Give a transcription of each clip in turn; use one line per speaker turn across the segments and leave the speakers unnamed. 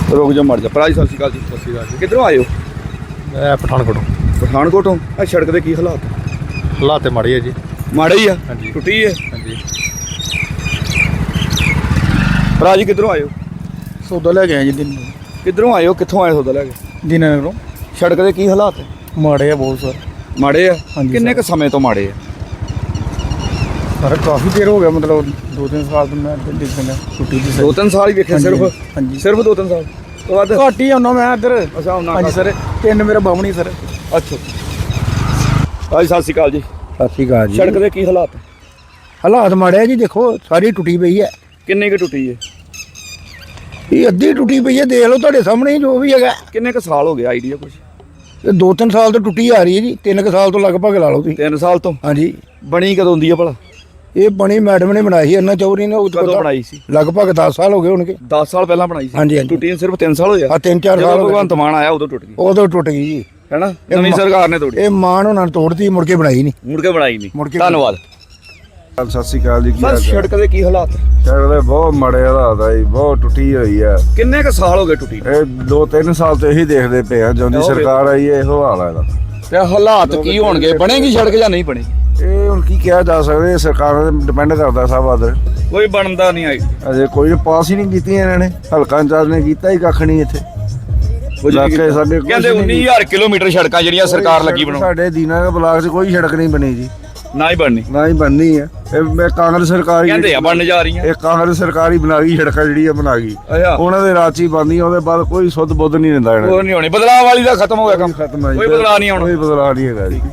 रुक जा मर जा भरा जी सत श्री अकाल जी।
ਸਤਿ ਸ਼੍ਰੀ ਅਕਾਲ ਜੀ।
किधरों आए हो?
ਮੈਂ ਪਠਾਨਕੋਟੋਂ।
पठानकोटों। आ सड़क के की हालात?
ਹਾਲਾਤ ਤੇ ਮਾੜੇ ਆ ਜੀ।
माड़े ही
हाँ
है
जी।
टुटी है।
ਹਾਂਜੀ
भरा जी किधरों आए हो?
ਸੌਦਾ ਲੈ ਕੇ ਆਏ ਜੀ ਦਿਨ
किधरों आए हो कितों आए सौदा लैके?
ਦਿਨਾਂ
सड़क के की हालात है?
ਮਾੜੇ ਆ ਬਹੁਤ ਸਰ।
माड़े है।
ਹਾਂਜੀ
किन्ने
सर।
क समय तो माड़े है?
ਸਰ ਕਾਫੀ ਦੇਰ ਹੋ ਗਿਆ ਮਤਲਬ 2-3 ਸਾਲ ਤੋਂ ਮੈਂ ਇੱਧਰ ਦੇਖ ਰਿਹਾ ਛੁੱਟੀ ਦੀ
2-3 साल ही देखे
ਹਾਂਜੀ,
सिर्फ?
ਹਾਂਜੀ।
सिर्फ 2-3 साल तो बाद?
ਘੱਟ ਹੀ ਆਉਣਾ ਮੈਂ ਇੱਧਰ।
अच्छा होना
ਹਾਂਜੀ ਸਰ ਤਿੰਨ ਮੇਰਾ ਬਾਹਮਣੀ ਸਰ।
अच्छा भाई सत श्री अकाल जी।
ਸਤਿ ਸ਼੍ਰੀ ਅਕਾਲ ਜੀ।
सड़क के की हालात है?
ਹਾਲਾਤ ਮਾੜੇ ਆ ਜੀ ਦੇਖੋ ਸਾਰੀ ਟੁੱਟੀ ਪਈ ਹੈ।
किन्ने की टुटी है?
ਇਹ ਅੱਧੀ ਟੁੱਟੀ ਪਈ ਹੈ ਦੇਖ ਲਓ ਤੁਹਾਡੇ ਸਾਹਮਣੇ ਹੀ ਜੋ ਵੀ ਹੈਗਾ।
किन्ने क साल हो गया आइडिया कुछ?
ਇਹ 2-3 ਸਾਲ ਤੋਂ ਟੁੱਟੀ ਆ ਰਹੀ ਹੈ ਜੀ 3 ਸਾਲ ਤੋਂ ਲਗਭਗ ਲਾ ਲਓ ਤੁਸੀਂ।
3 साल तो
ਹਾਂਜੀ
बनी कदों दी है भला?
ਇਹ ਬਣੀ ਮੈਡਮ ਨੇ ਬਣਾਈ ਇਹਨਾਂ ਚੌਧਰੀ ਨੇ। ਉਹ ਤੋਂ
कदों
ਪਤਾ-
बनाई सी?
ਲਗਭਗ 10 ਸਾਲ ਹੋ ਗਏ ਹੋਣਗੇ।
10 साल पहला बनाई सी।
ਹਾਂਜੀ, ਹਾਂਜੀ।
टुटी सिर्फ 3 साल होया?
ਆ 3-4
ਜਦੋਂ
ਸਾਲ ਹੋ
ਭਗਵੰਤ
ਗਏ
ਮਾਨ ਆਇਆ ਉਦੋਂ ਟੁੱਟ ਗਈ
ਉਦੋਂ ਟੁੱਟ ਗਈ ਜੀ।
ਹੈ ਨਾ? ਨਵੀਂ ਸਰਕਾਰ ਨੇ ਤੋੜੀ,
ਇਹ ਮਾਨ ਉਹਨਾਂ ਨੇ ਤੋੜਤੀ ਮੁੜ ਕੇ ਬਣਾਈ ਨਹੀਂ।
ਮੁੜ ਕੇ ਬਣਾਈ ਨਹੀਂ।
ਮੁੜ ਕੇ
ਧੰਨਵਾਦ।
ਸਤਿ ਸ਼੍ਰੀ ਅਕਾਲ ਜੀ। ਕੀ
ਸਰ
ਹਾਲ ਚਾਲ?
ਸੜਕ ਦੇ ਕੀ ਹਾਲਾਤ?
ਸੜਕ ਦੇ ਬਹੁਤ ਮਾੜੇ ਹਾਲਾਤ ਆ ਜੀ, ਬਹੁਤ ਟੁੱਟੀ ਹੋਈ ਆ।
ਕਿੰਨੇ ਕ ਸਾਲ ਹੋ ਗਏ ਟੁੱਟੀ ਨੂੰ?
ਇਹ 2-3 ਸਾਲ ਤੋਂ ਇਹੀ ਦੇਖਦੇ ਪਏ ਆ ਜਦੋਂ ਦੀ
ਹੋ ਗਏ।
ਸਰਕਾਰ ਆਈ ਹੈ ਇਹੋ ਹਾਲ ਆ ਇਹਦਾ।
ਤੇ ਹਾਲਾਤ ਕੀ ਹੋਣਗੇ? ਬਣੇਗੀ ਸੜਕ ਜਾਂ ਨਹੀਂ ਬਣੇਗੀ?
ਇਹ ਹੁਣ ਕੀ ਕਿਹਾ ਜਾ ਸਕਦਾ, ਇਹ ਸਰਕਾਰਾਂ ਤੇ ਡਿਪੈਂਡ ਕਰਦਾ ਸਭ ਆਦਰ।
ਕੋਈ ਬਣਦਾ ਨਹੀਂ ਆਈ।
ਅਜੇ ਕੋਈ ਪਾਸ ਹੀ ਨਹੀਂ ਕੀਤੀਆਂ ਇਹਨਾਂ ਨੇ। ਹਲਕਾ ਇੰਚਾਰਜ ਨੇ ਕੀਤਾ ਹੀ ਕੱਖ ਨਹੀਂ ਇੱਥੇ। ਇਲਾਕੇ ਸਾਡੇ ਕੁਛ
ਕਹਿੰਦੇ
ਨਹੀਂ
19000 ਕਿਲੋਮੀਟਰ ਸੜਕਾਂ ਜਿਹੜੀਆਂ ਸਰਕਾਰ ਲੱਗੀ ਬਣਾਉਣ,
ਸਾਡੇ ਦੀਨਾਨਗਰ ਬਲਾਕ 'ਚ ਕੋਈ ਸੜਕ ਨਹੀਂ ਬਣੀ ਜੀ,
ਨਾ ਹੀ ਬਣਨੀ।
ਨਾ ਹੀ ਬਣਨੀ ਹੈ। ਇਹ ਮੈਂ ਕਾਂਗਰਸ ਸਰਕਾਰ ਹੀ
ਕਹਿੰਦੇ ਆ ਬਣਨ ਜਾ ਰਹੀਆਂ।
ਇਹ ਕਾਂਗਰਸ ਸਰਕਾਰ ਹੀ ਬਣਾ ਗਈ ਸੜਕਾਂ ਜਿਹੜੀਆਂ ਬਣਾ ਗਈ।
ਅੱਛਾ
ਉਹਨਾਂ ਦੇ ਰਾਜ 'ਚ ਹੀ ਬਣਦੀਆਂ, ਉਹਦੇ ਬਾਅਦ ਕੋਈ ਸੁੱਧ ਬੁੱਧ ਨਹੀਂ ਦਿੰਦਾ ਇਹਨਾਂ
ਉਹ ਨਹੀਂ ਹੋਣੀ। ਬਦਲਾਅ ਵਾਲੀ ਦਾ ਖਤਮ ਹੋ ਗਿਆ ਕੰਮ।
ਖਤਮ ਹੈ ਜੀ।
ਕੋਈ ਬਦਲਾਅ ਨਹੀਂ ਆਉਣਾ।
ਕੋਈ ਬਦਲਾਅ ਨਹੀਂ ਹੈਗਾ ਜੀ।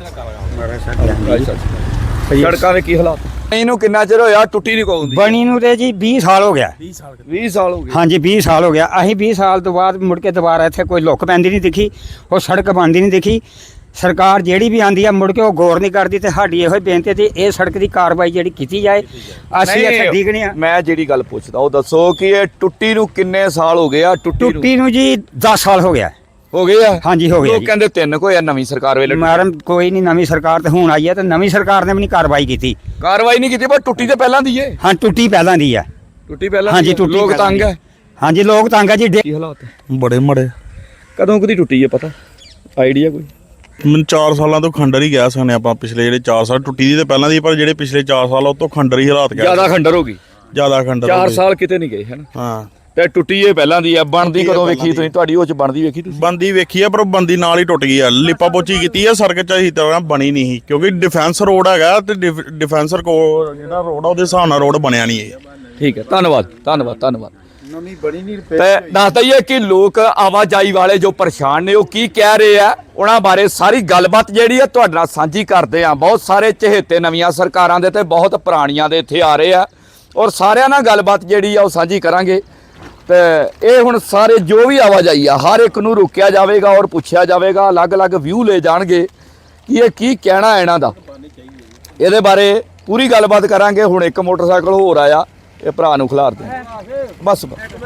ਧੰਨਵਾਦ। ਸੜਕਾਂ ਦੇ ਕੀ ਹਾਲਾਤ? ਇਹਨੂੰ ਕਿੰਨਾ ਚਿਰ ਹੋਇਆ ਟੁੱਟੀ ਨਹੀਂ ਕੋਈ ਹੁੰਦੀ?
ਬਣੀ ਨੂੰ ਤੇ ਜੀ 20 ਸਾਲ ਹੋ ਗਿਆ।
20 ਸਾਲ ਹੋ ਗਏ।
ਹਾਂਜੀ 20 ਸਾਲ ਹੋ ਗਿਆ। ਅਸੀਂ 20 ਸਾਲ ਤੋਂ ਬਾਅਦ ਮੁੜ ਕੇ ਦੁਬਾਰਾ ਇੱਥੇ ਕੋਈ ਲੁੱਕ ਪੈਂਦੀ ਨਹੀਂ ਦਿਖੀ, ਉਹ ਸੜਕ ਬਣਦੀ ਨਹੀਂ ਦਿਖੀ। ਸਰਕਾਰ ਜਿਹੜੀ ਵੀ ਆਂਦੀ ਆ ਮੁੜ ਕੇ ਉਹ ਗੌਰ ਨਹੀਂ ਕਰਦੀ। ਤੇ ਸਾਡੀ ਇਹੋ ਹੀ ਬੇਨਤੀ ਤੇ ਇਹ ਸੜਕ ਦੀ ਕਾਰਵਾਈ ਜਿਹੜੀ ਕੀਤੀ ਜਾਏ। ਅਸੀਂ ਇੱਥੇ ਡਿੱਗਣੇ ਆ।
ਮੈਂ ਜਿਹੜੀ ਗੱਲ ਪੁੱਛਦਾ ਉਹ ਦੱਸੋ ਕਿ ਇਹ ਟੁੱਟੀ ਨੂੰ ਕਿੰਨੇ ਸਾਲ ਹੋ ਗਏ ਆ?
ਟੁੱਟੀ ਨੂੰ ਜੀ 10 ਸਾਲ ਹੋ ਗਿਆ।
ਹੋ ਗਏ ਆ?
ਹਾਂਜੀ ਹੋ ਗਿਆ
ਲੋਕ
ਜੀ।
ਕਹਿੰਦੇ 3 ਕੋਈ ਆ ਨਵੀਂ ਸਰਕਾਰ ਵੇਲੇ।
ਮੈਡਮ ਕੋਈ ਨਹੀਂ, ਨਵੀਂ ਸਰਕਾਰ ਤੇ ਹੁਣ ਆਈ ਹੈ ਤੇ ਨਵੀਂ ਸਰਕਾਰ ਨੇ ਵੀ ਨਹੀਂ ਕਾਰਵਾਈ ਕੀਤੀ।
ਕਾਰਵਾਈ ਨਹੀਂ ਕੀਤੀ, ਪਰ ਟੁੱਟੀ ਤੇ ਪਹਿਲਾਂ ਦੀ ਏ।
ਹਾਂ ਟੁੱਟੀ ਪਹਿਲਾਂ ਦੀ ਆ।
ਟੁੱਟੀ ਪਹਿਲਾਂ
ਹਾਂਜੀ
ਦੀ ਆ।
ਟੁੱਟੀ
ਲੋਕ
ਪਹਿਲਾਂ
ਤੰਗ
ਦੀ।
ਹੈ।
ਹਾਂਜੀ ਲੋਕ ਤੰਗ ਆ ਜੀ।
ਕੀ ਹਾਲਾਤ ਹੈ?
ਬੜੇ ਮੜੇ
ਕਦੋਂ ਕਦੀ ਟੁੱਟੀ ਹੈ ਪਤਾ ਆਈਡੀਆ ਕੋਈ?
ਮੈਨੂੰ 4 ਸਾਲਾਂ ਤੋਂ ਖੰਡਰ ਹੀ ਗਿਆ ਸਕਨੇ ਆਪਾਂ। ਪਿਛਲੇ ਜਿਹੜੇ 4 ਸਾਲ ਟੁੱਟੀ ਦੀ ਤੇ ਪਹਿਲਾਂ ਦੀ, ਪਰ ਜਿਹੜੇ ਪਿਛਲੇ 4 ਸਾਲ ਉਹ ਤੋਂ ਖੰਡਰ ਹੀ ਹਾਲਾਤ ਗਿਆ।
ਜ਼ਿਆਦਾ ਖੰਡਰ ਹੋ ਗਈ।
ਜ਼ਿਆਦਾ ਖੰਡਰ
4 ਸਾਲ ਕਿਤੇ ਨਹੀਂ ਗਏ ਹਨ।
ਹਾਂ
ਤੇ ਟੁੱਟੀ ਇਹ ਪਹਿਲਾਂ ਦੀ ਆ। ਬਣਦੀ ਕਦੋਂ ਵੇਖੀ ਤੁਸੀਂ? ਤੁਹਾਡੀ ਉਹ ਚ ਬਣਦੀ ਵੇਖੀ ਤੁਸੀਂ?
ਬੰਦੀ ਵੇਖੀ ਆ, ਪਰ ਉਹ ਬੰਦੀ ਨਾਲ ਹੀ ਟੁੱਟ ਗਈ ਆ। ਲਿਪਾ ਪੋਚੀ ਕੀਤੀ ਆ, ਸੜਕ ਚ ਅਹੀ ਤਰ੍ਹਾਂ ਬਣੀ ਨਹੀਂ ਸੀ, ਕਿਉਂਕਿ ਡਿਫੈਂਸ ਰੋਡ ਹੈਗਾ ਤੇ ਡਿਫੈਂਸਰ ਕੋ ਜਿਹੜਾ ਰੋਡ ਆ ਉਹਦੇ ਹਿਸਾਬ ਨਾਲ ਰੋਡ ਬਣਿਆ ਨਹੀਂ ਹੈ।
ਠੀਕ ਹੈ, ਧੰਨਵਾਦ ਧੰਨਵਾਦ ਧੰਨਵਾਦ। ਤੇ ਦੱਸ ਦਈਏ ਕਿ ਲੋਕ ਆਵਾਜਾਈ ਵਾਲੇ ਜੋ ਪਰੇਸ਼ਾਨ ਨੇ ਉਹ ਕੀ ਕਹਿ ਰਹੇ ਆ, ਉਹਨਾਂ ਬਾਰੇ ਸਾਰੀ ਗੱਲਬਾਤ ਜਿਹੜੀ ਆ ਤੁਹਾਡੇ ਨਾਲ ਸਾਂਝੀ ਕਰਦੇ ਆ। ਬਹੁਤ ਸਾਰੇ ਚਹੇਤੇ ਨਵੀਆਂ ਸਰਕਾਰਾਂ ਦੇ ਤੇ ਬਹੁਤ ਪੁਰਾਣੀਆਂ ਦੇ ਇੱਥੇ ਆ ਰਹੇ ਆ, ਔਰ ਸਾਰਿਆਂ ਨਾਲ ਗੱਲਬਾਤ ਜਿਹੜੀ ਆ ਉਹ ਸਾਂਝੀ ਕਰਾਂਗੇ। ਤੇ ਇਹ ਹੁਣ ਸਾਰੇ ਜੋ ਵੀ ਆਵਾਜਾਈ ਆ ਹਰ ਇੱਕ ਨੂੰ ਰੋਕਿਆ ਜਾਵੇਗਾ ਔਰ ਪੁੱਛਿਆ ਜਾਵੇਗਾ। ਅਲੱਗ-ਅਲੱਗ ਵਿਊ ਲੈ ਜਾਣਗੇ ਕਿ ਇਹ ਕੀ ਕਹਿਣਾ ਇਹਨਾਂ ਦਾ। ਇਹਦੇ ਬਾਰੇ ਪੂਰੀ ਗੱਲਬਾਤ ਕਰਾਂਗੇ। ਹੁਣ ਇੱਕ ਮੋਟਰਸਾਈਕਲ ਹੋਰ ਆਇਆ, ਇਹ ਭਰਾ ਨੂੰ ਖਿਲਾਰਦੇ ਬਸ।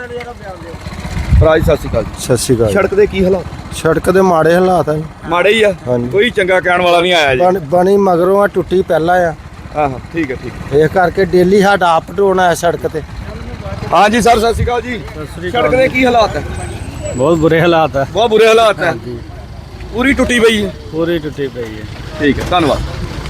ਭਰਾ ਜੀ ਸਤਿ ਸ਼੍ਰੀ ਅਕਾਲ ਜੀ।
ਸਤਿ ਸ਼੍ਰੀ ਅਕਾਲ।
ਸੜਕ ਦੇ ਕੀ ਹਾਲਾਤ?
ਸੜਕ ਦੇ ਮਾੜੇ ਹਾਲਾਤ ਆ ਜੀ।
ਮਾੜੇ ਹੀ ਆ,
ਹਾਂਜੀ।
ਕੋਈ ਚੰਗਾ ਕਹਿਣ ਵਾਲਾ ਨਹੀਂ ਆਇਆ ਜੀ।
ਬਣੀ ਮਗਰੋਂ ਆ, ਟੁੱਟੀ ਪਹਿਲਾਂ ਆ।
ਆਹ ਠੀਕ ਹੈ ਠੀਕ ਹੈ।
ਇਹ ਕਰਕੇ ਡੇਲੀ ਸਾਡਾ ਅਪ ਡਾਊਨ ਆ ਸੜਕ ਤੇ।
ਹਾਂਜੀ ਸਰ ਸਤਿ ਸ਼੍ਰੀ ਅਕਾਲ ਜੀ। ਸੜਕ ਦੇ ਕੀ ਹਾਲਾਤ ਹੈ?
ਬਹੁਤ ਬੁਰੇ ਹਾਲਾਤ ਆ।
ਬਹੁਤ ਬੁਰੇ ਹਾਲਾਤ ਹੈ। ਪੂਰੀ ਟੁੱਟੀ ਪਈ ਹੈ।
ਪੂਰੀ ਟੁੱਟੀ ਪਈ ਹੈ।
ਠੀਕ ਹੈ, ਧੰਨਵਾਦ।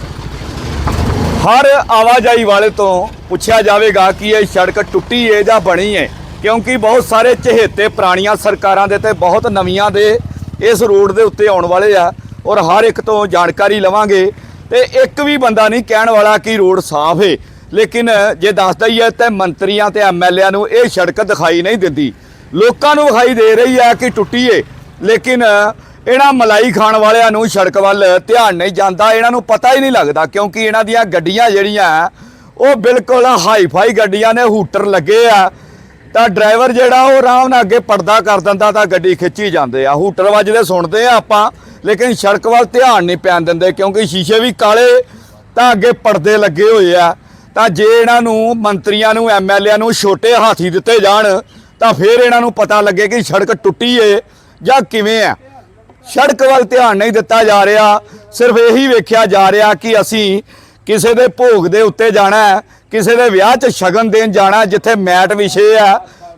ਹਰ ਆਵਾਜਾਈ ਵਾਲੇ ਤੋਂ ਪੁੱਛਿਆ ਜਾਵੇਗਾ ਕਿ ਇਹ ਸੜਕ ਟੁੱਟੀ ਹੈ ਜਾਂ ਬਣੀ ਹੈ, ਕਿਉਂਕਿ ਬਹੁਤ ਸਾਰੇ ਚਹੇਤੇ ਪੁਰਾਣੀਆਂ ਸਰਕਾਰਾਂ ਦੇ ਤੇ ਬਹੁਤ ਨਵੀਆਂ ਦੇ ਇਸ ਰੋਡ ਦੇ ਉੱਤੇ ਆਉਣ ਵਾਲੇ ਆ, ਔਰ ਹਰ ਇੱਕ ਤੋਂ ਜਾਣਕਾਰੀ ਲਵਾਂਗੇ। ਤੇ ਇੱਕ ਵੀ ਬੰਦਾ ਨਹੀਂ ਕਹਿਣ ਵਾਲਾ ਕਿ ਰੋਡ ਸਾਫ਼ ਹੈ, ਲੇਕਿਨ ਜੇ ਦੱਸਦਾ ਹੀ ਹੈ ਤੇ ਮੰਤਰੀਆਂ ਤੇ ਐਮਐਲਏਆਂ ਨੂੰ ਇਹ ਸੜਕ ਦਿਖਾਈ ਨਹੀਂ ਦਿੰਦੀ। ਲੋਕਾਂ ਨੂੰ ਵਿਖਾਈ ਦੇ ਰਹੀ ਹੈ ਕਿ ਟੁੱਟੀ ਹੈ, ਲੇਕਿਨ ਇਹਨਾਂ ਮਲਾਈ ਖਾਣ ਵਾਲਿਆਂ ਨੂੰ ਸੜਕ ਵੱਲ ਧਿਆਨ ਨਹੀਂ ਜਾਂਦਾ। ਇਹਨਾਂ ਨੂੰ ਪਤਾ ਹੀ ਨਹੀਂ ਲੱਗਦਾ, ਕਿਉਂਕਿ ਇਹਨਾਂ ਦੀਆਂ ਗੱਡੀਆਂ ਜਿਹੜੀਆਂ ਉਹ ਬਿਲਕੁਲ ਹਾਈ-ਫਾਈ ਗੱਡੀਆਂ ਨੇ, ਹੂਟਰ ਲੱਗੇ ਆ। ਤਾਂ ਡਰਾਈਵਰ ਜਿਹੜਾ ਉਹ ਆਰਾਮ ਨਾਲ ਅੱਗੇ ਪਰਦਾ ਕਰ ਦਿੰਦਾ ਤਾਂ ਗੱਡੀ ਖਿੱਚੀ ਜਾਂਦੇ ਆ। ਹੂਟਰ ਵੱਜਦੇ ਸੁਣਦੇ ਆ ਆਪਾਂ, ਲੇਕਿਨ ਸੜਕ ਵੱਲ ਧਿਆਨ ਨਹੀਂ ਪੈਣ ਦਿੰਦੇ, ਕਿਉਂਕਿ ਸ਼ੀਸ਼ੇ ਵੀ ਕਾਲੇ ਤਾਂ ਅੱਗੇ ਪਰਦੇ ਲੱਗੇ ਹੋਏ ਆ। ਤਾਂ ਜੇ ਇਹਨਾਂ ਨੂੰ ਮੰਤਰੀਆਂ ਨੂੰ ਐਮਐਲਏਆਂ ਨੂੰ ਛੋਟੇ ਹਾਥੀ ਦਿੱਤੇ ਜਾਣ ਤਾਂ ਫਿਰ ਇਹਨਾਂ ਨੂੰ ਪਤਾ ਲੱਗੇ ਕਿ ਸੜਕ ਟੁੱਟੀ ਏ ਜਾਂ ਕਿਵੇਂ ਆ। ਸੜਕ ਵੱਲ ਧਿਆਨ ਨਹੀਂ ਦਿੱਤਾ ਜਾ ਰਿਹਾ, ਸਿਰਫ ਇਹੀ ਵੇਖਿਆ ਜਾ ਰਿਹਾ ਕਿ ਅਸੀਂ ਕਿਸੇ ਦੇ ਭੋਗ ਦੇ ਉੱਤੇ ਜਾਣਾ, ਕਿਸੇ ਦੇ ਵਿਆਹ 'ਚ ਸ਼ਗਨ ਦੇਣ ਜਾਣਾ, ਜਿੱਥੇ ਮੈਟ ਵਿਛੇ ਆ,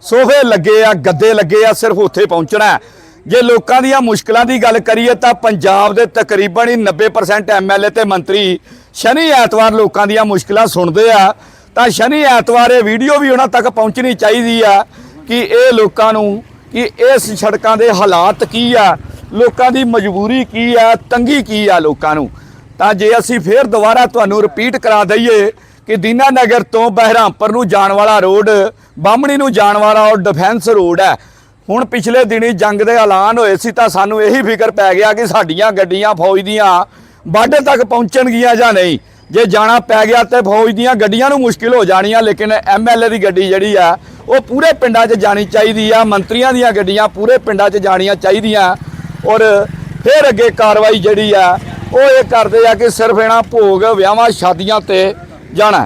ਸੋਫੇ ਲੱਗੇ ਆ, ਗੱਦੇ ਲੱਗੇ ਆ, ਸਿਰਫ ਉੱਥੇ ਪਹੁੰਚਣਾ ਹੈ। ਜੇ ਲੋਕਾਂ ਦੀਆਂ ਮੁਸ਼ਕਲਾਂ ਦੀ ਗੱਲ ਕਰੀਏ ਤਾਂ ਪੰਜਾਬ ਦੇ ਤਕਰੀਬਨ ਹੀ 90% ਐਮਐਲਏ ਤੇ ਮੰਤਰੀ ਸ਼ਨੀ ਐਤਵਾਰ ਲੋਕਾਂ ਦੀਆਂ ਮੁਸ਼ਕਲਾਂ ਸੁਣਦੇ ਆ। ਤਾਂ ਸ਼ਨੀ ਐਤਵਾਰ ਇਹ ਵੀਡੀਓ ਵੀ ਉਹਨਾਂ ਤੱਕ ਪਹੁੰਚਣੀ ਚਾਹੀਦੀ ਆ ਕਿ ਇਹ ਲੋਕਾਂ ਨੂੰ ਕਿ ਇਸ ਸੜਕਾਂ ਦੇ ਹਾਲਾਤ ਕੀ ਆ, ਲੋਕਾਂ ਦੀ ਮਜਬੂਰੀ ਕੀ ਆ, ਤੰਗੀ ਕੀ ਆ ਲੋਕਾਂ ਨੂੰ। ਤਾਂ ਜੇ ਅਸੀਂ ਫੇਰ ਦੁਬਾਰਾ ਤੁਹਾਨੂੰ ਰਿਪੀਟ ਕਰਾ ਦਈਏ ਕਿ ਦੀਨਾ ਨਗਰ ਤੋਂ ਬਹਿਰਾਮਪੁਰ ਨੂੰ ਜਾਣ ਵਾਲਾ ਰੋਡ, ਬਾਹਮਣੀ ਨੂੰ ਜਾਣ ਵਾਲਾ ਉਹ ਡਿਫੈਂਸ ਰੋਡ ਹੈ। ਹੁਣ ਪਿਛਲੇ ਦਿਨੀ ਜੰਗ ਦੇ ਐਲਾਨ ਹੋਏ ਸੀ ਤਾਂ ਸਾਨੂੰ ਇਹੀ ਫਿਕਰ ਪੈ ਗਿਆ ਕਿ ਸਾਡੀਆਂ ਗੱਡੀਆਂ ਫੌਜ ਦੀਆਂ ਬਾਰਡਰ ਤੱਕ ਪਹੁੰਚਣਗੀਆਂ ਜਾਂ ਨਹੀਂ। ਜੇ ਜਾਣਾ ਪੈ ਗਿਆ ਤੇ ਫੌਜ ਦੀਆਂ ਗੱਡੀਆਂ ਨੂੰ ਮੁਸ਼ਕਿਲ ਹੋ ਜਾਣੀਆਂ, ਲੇਕਿਨ ਐਮਐਲਏ ਦੀ ਗੱਡੀ ਜਿਹੜੀ ਆ ਉਹ ਪੂਰੇ ਪਿੰਡਾਂ 'ਚ ਜਾਣੀ ਚਾਹੀਦੀ ਆ, ਮੰਤਰੀਆਂ ਦੀਆਂ ਗੱਡੀਆਂ ਪੂਰੇ ਪਿੰਡਾਂ 'ਚ ਜਾਣੀਆਂ ਚਾਹੀਦੀਆਂ। ਔਰ ਫਿਰ ਅੱਗੇ ਕਾਰਵਾਈ ਜਿਹੜੀ ਆ ਉਹ ਇਹ ਕਰਦੇ ਆ ਕਿ ਸਿਰਫ ਇਹਨਾਂ ਭੋਗ, ਵਿਆਹਾਂ, ਸ਼ਾਦੀਆਂ ਤੇ ਜਾਣਾ।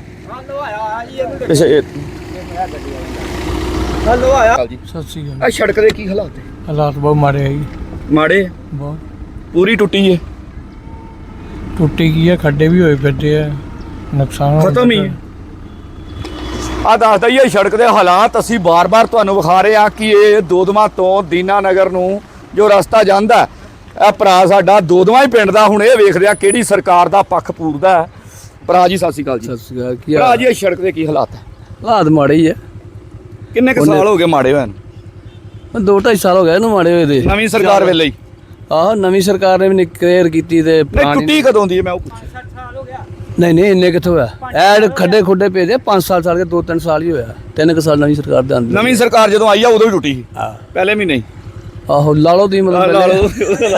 ਹਲੋ ਆਇਆ ਜੀ।
ਸਤਿ ਸ਼੍ਰੀ ਅਕਾਲ।
ਆ ਸੜਕ ਦੇ ਕੀ ਹਾਲਾਤ ਹੈ?
ਹਾਲਾਤ ਬਹੁਤ ਮਾੜੇ ਆ ਜੀ,
ਮਾੜੇ ਆ?
ਬਹੁਤ
ਪੂਰੀ ਟੁੱਟੀ ਹੈ?
ਟੁੱਟੀ ਗਈ ਆ, ਖੱਡੇ ਵੀ ਹੋਏ ਫਿਰਦੇ ਆ, ਨੁਕਸਾਨ
ਖਤਮ ਹੀ ਹੈ। ਆ ਦੱਸਦਾ ਹੀ ਇਹ ਸੜਕ ਦੇ ਹਾਲਾਤ ਅਸੀਂ ਬਾਰ-ਬਾਰ ਤੁਹਾਨੂੰ ਵਿਖਾ ਰਹੇ ਹਾਂ ਕਿ ਇਹ ਦੋਦਮਾ ਤੋਂ ਦੀਨਾ ਨਗਰ ਨੂੰ ਜੋ ਰਸਤਾ ਜਾਂਦਾ, ਇਹ ਭਰਾ ਸਾਡਾ ਦੋਦਮਾ ਹੀ ਪਿੰਡ ਦਾ, ਹੁਣ ਇਹ ਵੇਖਦੇ ਆ ਕਿਹੜੀ ਸਰਕਾਰ ਦਾ ਪੱਖ ਪੂਰਦਾ ਹੈ। ਭਰਾ ਜੀ ਸਤਿ ਸ਼੍ਰੀ ਅਕਾਲ ਜੀ।
ਸਤਿ ਸ਼੍ਰੀ ਅਕਾਲ। ਕੀ
ਭਰਾ ਜੀ ਇਹ ਸੜਕ ਦੇ ਕੀ ਹਾਲਾਤ ਹੈ?
ਹਾਲਾਤ ਮਾੜੇ ਹੀ ਆ।
ਕਿੰਨੇ ਕੁ ਸਾਲ ਹੋ ਗਏ ਮਾੜੇ ਹੋਏ ਨੂੰ?
2-2.5 ਸਾਲ ਹੋ ਗਏ ਇਹਨੂੰ ਮਾੜੇ ਹੋਏ ਦੇ।
ਨਵੀਂ ਸਰਕਾਰ ਵੇਲੇ ਹੀ?
ਆਹ ਨਵੀਂ ਸਰਕਾਰ ਨੇ ਵੀ ਕਲੀਅਰ ਕੀਤੀ ਤੇ
ਨਹੀਂ, ਟੁੱਟੀ ਕਦੋਂ ਦੀ ਹੈ ਮੈਂ ਉਹ ਪੁੱਛਿਆ।
ਨਹੀਂ ਇੰਨੇ ਕਿੱਥੋਂ ਹੋਇਆ? ਐਡ ਖੱਡੇ ਖੁੱਡੇ ਪਏ ਦੇ 5 ਸਾਲ ਕੇ 2-3 ਸਾਲ ਹੀ ਹੋਇਆ। 3 ਸਾਲ ਨਵੀਂ ਸਰਕਾਰ ਦੇ ਆਂਦੀ।
ਨਵੀਂ ਸਰਕਾਰ ਜਦੋਂ ਆਈ ਆ ਉਦੋਂ ਹੀ ਟੁੱਟੀ ਸੀ? ਪਹਿਲੇ ਮਹੀਨੇ ਹੀ?
ਆਹੋ ਲਾ ਲਓ ਦੀ ਮਤਲਬ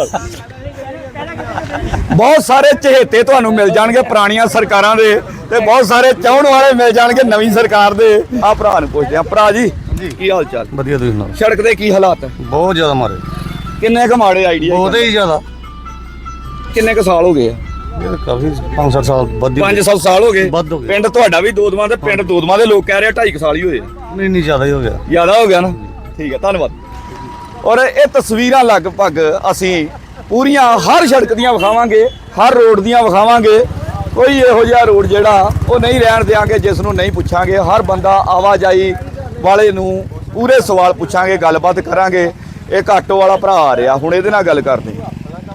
ਬਹੁਤ ਸਾਰੇ ਚਹੇਤੇ ਤੁਹਾਨੂੰ ਮਿਲ ਜਾਣਗੇ ਪੁਰਾਣੀਆਂ ਸਰਕਾਰਾਂ ਦੇ ਤੇ ਬਹੁਤ ਸਾਰੇ ਚਾਹਣ ਵਾਲੇ ਮਿਲ ਜਾਣਗੇ ਨਵੀਂ ਸਰਕਾਰ ਦੇ। ਆ ਭਰਾ ਨੂੰ ਪੁੱਛਦੇ ਆ। ਭਰਾ ਜੀ ਕੀ ਹਾਲ ਚਾਲ?
ਵਧੀਆ ਤੁਸੀਂ ਸੁਣਾਓ।
ਸੜਕ ਦੇ ਕੀ ਹਾਲਾਤ ਹੈ?
ਬਹੁਤ ਜ਼ਿਆਦਾ ਮਾਰੇ,
ਕਿੰਨੇ ਕੁ ਮਾੜੇ ਆਈਡੀਆ?
ਬਹੁਤ ਹੀ ਜ਼ਿਆਦਾ।
ਕਿੰਨੇ ਕੁ ਸਾਲ ਹੋ ਗਏ ਆ?
ਇਹ ਕਾਫੀ 5-7 ਸਾਲ ਵੱਧ
5-7 ਸਾਲ ਹੋ ਗਏ।
ਵੱਧ ਹੋ ਗਏ।
ਪਿੰਡ ਤੁਹਾਡਾ ਵੀ ਦੋਦਮਾ ਤੇ ਪਿੰਡ ਦੋਦਮਾ ਦੇ ਲੋਕ ਕਹਿ ਰਹੇ 2.5 ਸਾਲ ਹੀ ਹੋਏ।
ਨਹੀਂ ਜ਼ਿਆਦਾ ਹੀ ਹੋ ਗਿਆ।
ਜ਼ਿਆਦਾ ਹੋ ਗਿਆ ਨਾ? ਠੀਕ ਹੈ, ਧੰਨਵਾਦ। ਔਰ ਇਹ ਤਸਵੀਰਾਂ ਲਗਭਗ ਅਸੀਂ ਪੂਰੀਆਂ ਹਰ ਸੜਕ ਦੀਆਂ ਵਿਖਾਵਾਂਗੇ, ਹਰ ਰੋਡ ਦੀਆਂ ਵਿਖਾਵਾਂਗੇ। ਕੋਈ ਇਹੋ ਜਿਹਾ ਰੋਡ ਜਿਹੜਾ ਉਹ ਨਹੀਂ ਰਹਿਣ ਦਿਆਂਗੇ ਜਿਸ ਨੂੰ ਨਹੀਂ ਪੁੱਛਾਂਗੇ। ਹਰ ਬੰਦਾ ਆਵਾਜਾਈ ਵਾਲੇ ਨੂੰ ਪੂਰੇ ਸਵਾਲ ਪੁੱਛਾਂਗੇ, ਗੱਲਬਾਤ ਕਰਾਂਗੇ। ਇਹ ਆਟੋ ਵਾਲਾ ਭਰਾ ਆ ਰਿਹਾ, ਹੁਣ ਇਹਦੇ ਨਾਲ ਗੱਲ ਕਰਦੇ ਹਾਂ।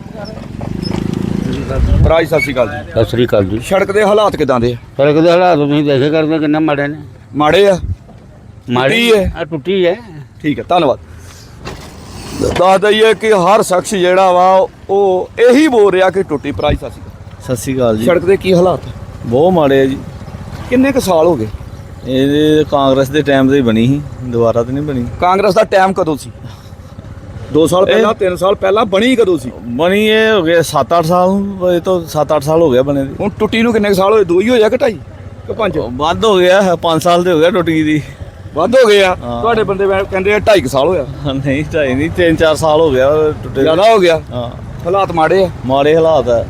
ਭਰਾ ਜੀ ਸਤਿ ਸ਼੍ਰੀ ਅਕਾਲ ਜੀ।
ਸਤਿ ਸ੍ਰੀ ਅਕਾਲ ਜੀ।
ਸੜਕ ਦੇ ਹਾਲਾਤ ਕਿਦਾਂ ਦੇ ਆ?
ਸੜਕ ਦੇ ਹਾਲਾਤ ਤੁਸੀਂ ਦੇਖੇ ਕਰਦੇ ਕਿੰਨਾ ਮਾੜੇ ਨੇ।
ਮਾੜੇ ਆ?
ਮਾੜੀ
ਟੁੱਟੀ ਹੈ?
ਆ ਟੁੱਟੀ ਹੈ।
ਠੀਕ ਹੈ, ਧੰਨਵਾਦ। ਦੱਸ ਦਈਏ ਕਿ ਹਰ ਸ਼ਖਸ ਜਿਹੜਾ ਵਾ ਉਹ ਇਹੀ ਬੋਲ ਰਿਹਾ ਕਿ ਟੁੱਟੀ। ਭਰਾ ਜੀ ਸਤਿ ਸ਼੍ਰੀ ਅਕਾਲ।
ਸਤਿ ਸ਼੍ਰੀ ਅਕਾਲ ਜੀ।
ਸੜਕ ਦੇ ਕੀ ਹਾਲਾਤ?
ਬਹੁਤ ਮਾੜੇ ਆ ਜੀ।
ਕਿੰਨੇ ਕੁ ਸਾਲ ਹੋ ਗਏ?
ਇਹ ਕਾਂਗਰਸ ਦੇ ਟਾਈਮ ਤੇ ਹੀ ਬਣੀ ਸੀ, ਦੁਬਾਰਾ ਤਾਂ ਨਹੀਂ ਬਣੀ।
ਕਾਂਗਰਸ ਦਾ ਟਾਈਮ ਕਦੋਂ ਸੀ? 2 ਸਾਲ ਪਹਿਲਾਂ, 3 ਸਾਲ ਪਹਿਲਾਂ? ਬਣੀ ਕਦੋਂ ਸੀ?
ਬਣੀ ਇਹ ਹੋ ਗਏ 7-8 ਸਾਲ, ਇਹ ਤੋਂ 7-8 ਸਾਲ ਹੋ ਗਿਆ ਬਣੇ ਦੀ।
ਹੁਣ ਟੁੱਟੀ ਨੂੰ ਕਿੰਨੇ ਕੁ ਸਾਲ ਹੋਏ? 2 ਹੀ ਹੋਇਆ ਕਿ 2.5 ਕਿ 5?
ਵੱਧ ਹੋ ਗਿਆ, 5 ਸਾਲ ਤੇ ਹੋ ਗਿਆ ਟੁੱਟ ਗਈ ਦੀ।
ਵੱਧ ਹੋ ਗਏ ਆ? ਤੁਹਾਡੇ ਬੰਦੇ ਕਹਿੰਦੇ 2.5 ਸਾਲ ਹੋਇਆ।
ਨਹੀਂ 2.5 ਨਹੀਂ 3-4 ਸਾਲ ਹੋ ਗਿਆ ਟੁੱਟੇ।
ਜ਼ਿਆਦਾ ਹੋ ਗਿਆ?
ਹਾਂ,
ਹਾਲਾਤ ਮਾੜੇ ਆ?
ਮਾੜੇ ਹਾਲਾਤ ਆ।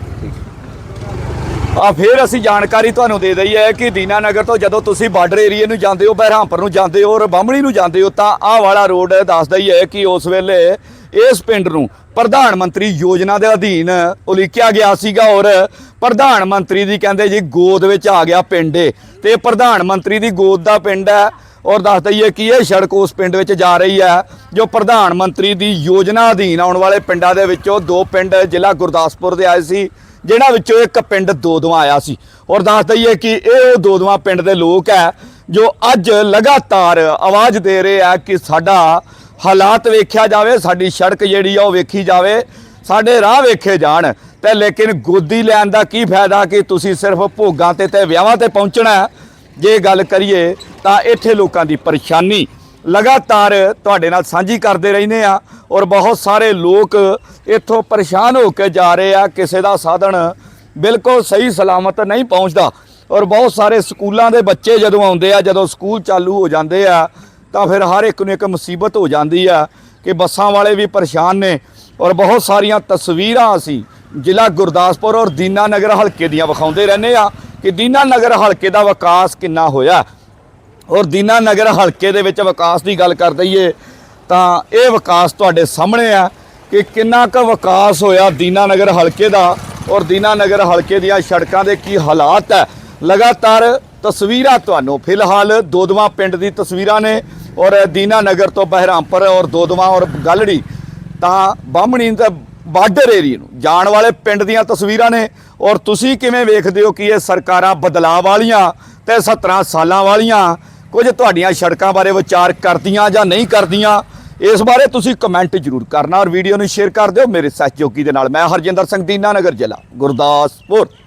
ਆ ਫਿਰ ਅਸੀਂ ਜਾਣਕਾਰੀ ਤੁਹਾਨੂੰ ਦੇ ਦਈ ਹੈ ਕਿ ਦੀਨਾ ਨਗਰ ਤੋਂ ਜਦੋਂ ਤੁਸੀਂ ਬਾਰਡਰ ਏਰੀਏ ਨੂੰ ਜਾਂਦੇ ਹੋ, ਬਹਿਰਾਮਪੁਰ ਨੂੰ ਜਾਂਦੇ ਹੋ ਔਰ ਬਾਹਮਣੀ ਨੂੰ ਜਾਂਦੇ ਹੋ ਤਾਂ ਆਹ ਵਾਲਾ ਰੋਡ ਦੱਸਦਾ ਹੀ ਹੈ ਕਿ ਉਸ ਵੇਲੇ ਇਸ ਪਿੰਡ ਨੂੰ ਪ੍ਰਧਾਨ ਮੰਤਰੀ ਯੋਜਨਾ ਦੇ ਅਧੀਨ ਉਲੀਕਿਆ ਗਿਆ ਸੀਗਾ ਔਰ ਪ੍ਰਧਾਨ ਮੰਤਰੀ ਦੀ ਕਹਿੰਦੇ ਜੀ ਗੋਦ ਵਿੱਚ ਆ ਗਿਆ ਪਿੰਡ ਇਹ, ਤੇ ਪ੍ਰਧਾਨ ਮੰਤਰੀ ਦੀ ਗੋਦ ਦਾ ਪਿੰਡ ਹੈ। ਔਰ ਦੱਸ ਦਈਏ ਕਿ ਇਹ ਸੜਕ ਉਸ ਪਿੰਡ ਵਿੱਚ ਜਾ ਰਹੀ ਹੈ ਜੋ ਪ੍ਰਧਾਨ ਮੰਤਰੀ ਦੀ ਯੋਜਨਾ ਅਧੀਨ ਆਉਣ ਵਾਲੇ ਪਿੰਡਾਂ ਦੇ ਵਿੱਚੋਂ 2 ਪਿੰਡ ਜ਼ਿਲ੍ਹਾ ਗੁਰਦਾਸਪੁਰ ਦੇ ਆਏ ਸੀ, ਜਿਨ੍ਹਾਂ ਵਿੱਚੋਂ ਇੱਕ ਪਿੰਡ ਦੋਦਮਾ ਆਇਆ ਸੀ। ਔਰ ਦੱਸ ਦਈਏ ਕਿ ਇਹ ਉਹ ਦੋਦਮਾ ਪਿੰਡ ਦੇ ਲੋਕ ਹੈ ਜੋ ਅੱਜ ਲਗਾਤਾਰ ਆਵਾਜ਼ ਦੇ ਰਹੇ ਆ ਕਿ ਸਾਡਾ ਹਾਲਾਤ ਵੇਖਿਆ ਜਾਵੇ, ਸਾਡੀ ਸੜਕ ਜਿਹੜੀ ਆ ਉਹ ਵੇਖੀ ਜਾਵੇ, ਸਾਡੇ ਰਾਹ ਵੇਖੇ ਜਾਣ। ਤੇ ਲੇਕਿਨ ਗੋਦੀ ਲੈਣ ਦਾ ਕੀ ਫਾਇਦਾ ਕਿ ਤੁਸੀਂ ਸਿਰਫ ਭੋਗਾਂ ਤੇ ਵਿਆਹਾਂ ਤੇ ਪਹੁੰਚਣਾ। ਜੇ ਗੱਲ ਕਰੀਏ ਤਾਂ ਇੱਥੇ ਲੋਕਾਂ ਦੀ ਪਰੇਸ਼ਾਨੀ ਲਗਾਤਾਰ ਤੁਹਾਡੇ ਨਾਲ ਸਾਂਝੀ ਕਰਦੇ ਰਹਿੰਦੇ ਆ ਔਰ ਬਹੁਤ ਸਾਰੇ ਲੋਕ ਇੱਥੋਂ ਪਰੇਸ਼ਾਨ ਹੋ ਕੇ ਜਾ ਰਹੇ ਆ। ਕਿਸੇ ਦਾ ਸਾਧਨ ਬਿਲਕੁਲ ਸਹੀ ਸਲਾਮਤ ਨਹੀਂ ਪਹੁੰਚਦਾ ਔਰ ਬਹੁਤ ਸਾਰੇ ਸਕੂਲਾਂ ਦੇ ਬੱਚੇ ਜਦੋਂ ਆਉਂਦੇ ਆ, ਜਦੋਂ ਸਕੂਲ ਚਾਲੂ ਹੋ ਜਾਂਦੇ ਆ ਤਾਂ ਫਿਰ ਹਰ ਇੱਕ ਨੂੰ ਇੱਕ ਮੁਸੀਬਤ ਹੋ ਜਾਂਦੀ ਆ ਕਿ ਬੱਸਾਂ ਵਾਲੇ ਵੀ ਪਰੇਸ਼ਾਨ ਨੇ। ਔਰ ਬਹੁਤ ਸਾਰੀਆਂ ਤਸਵੀਰਾਂ ਅਸੀਂ ਜ਼ਿਲ੍ਹਾ ਗੁਰਦਾਸਪੁਰ ਔਰ ਦੀਨਾ ਨਗਰ ਹਲਕੇ ਦੀਆਂ ਵਿਖਾਉਂਦੇ ਰਹਿੰਦੇ ਆ ਕਿ ਦੀਨਾ ਨਗਰ ਹਲਕੇ ਦਾ ਵਿਕਾਸ ਕਿੰਨਾ ਹੋਇਆ। ਔਰ ਦੀਨਾ ਨਗਰ ਹਲਕੇ ਦੇ ਵਿੱਚ ਵਿਕਾਸ ਦੀ ਗੱਲ ਕਰ ਦਈਏ ਤਾਂ ਇਹ ਵਿਕਾਸ ਤੁਹਾਡੇ ਸਾਹਮਣੇ ਆ ਕਿ ਕਿੰਨਾ ਕੁ ਵਿਕਾਸ ਹੋਇਆ ਦੀਨਾ ਨਗਰ ਹਲਕੇ ਦਾ ਔਰ ਦੀਨਾ ਨਗਰ ਹਲਕੇ ਦੀਆਂ ਸੜਕਾਂ ਦੇ ਕੀ ਹਾਲਾਤ ਹੈ। ਲਗਾਤਾਰ ਤਸਵੀਰਾਂ ਤੁਹਾਨੂੰ ਫਿਲਹਾਲ ਦੋਦਵਾ ਪਿੰਡ ਦੀ ਤਸਵੀਰਾਂ ਨੇ ਔਰ ਦੀਨਾ ਨਗਰ ਤੋਂ ਬਹਿਰਾਮਪੁਰ ਔਰ ਦੋਦਵਾ ਔਰ ਗਲੜੀ ਤਾਂ ਬਾਹਮਣੀ ਤੇ ਬਾਰਡਰ ਏਰੀਏ ਨੂੰ ਜਾਣ ਵਾਲੇ ਪਿੰਡ ਦੀਆਂ ਤਸਵੀਰਾਂ ਨੇ। ਔਰ ਤੁਸੀਂ ਕਿਵੇਂ ਵੇਖਦੇ ਹੋ ਕਿ ਇਹ ਸਰਕਾਰਾਂ ਬਦਲਾਅ ਵਾਲੀਆਂ ਤੇ 17 ਸਾਲਾਂ ਵਾਲੀਆਂ ਕੁਝ ਤੁਹਾਡੀਆਂ ਸੜਕਾਂ ਬਾਰੇ ਵਿਚਾਰ ਕਰਦੀਆਂ ਜਾਂ ਨਹੀਂ ਕਰਦੀਆਂ? ਇਸ ਬਾਰੇ ਤੁਸੀਂ ਕਮੈਂਟ ਜ਼ਰੂਰ ਕਰਨਾ ਔਰ ਵੀਡੀਓ ਨੂੰ ਸ਼ੇਅਰ ਕਰ ਦਿਓ। ਮੇਰੇ ਸਹਿਯੋਗੀ ਦੇ ਨਾਲ ਮੈਂ ਹਰਜਿੰਦਰ ਸਿੰਘ, ਦੀਨਾ ਨਗਰ ਜ਼ਿਲ੍ਹਾ ਗੁਰਦਾਸਪੁਰ।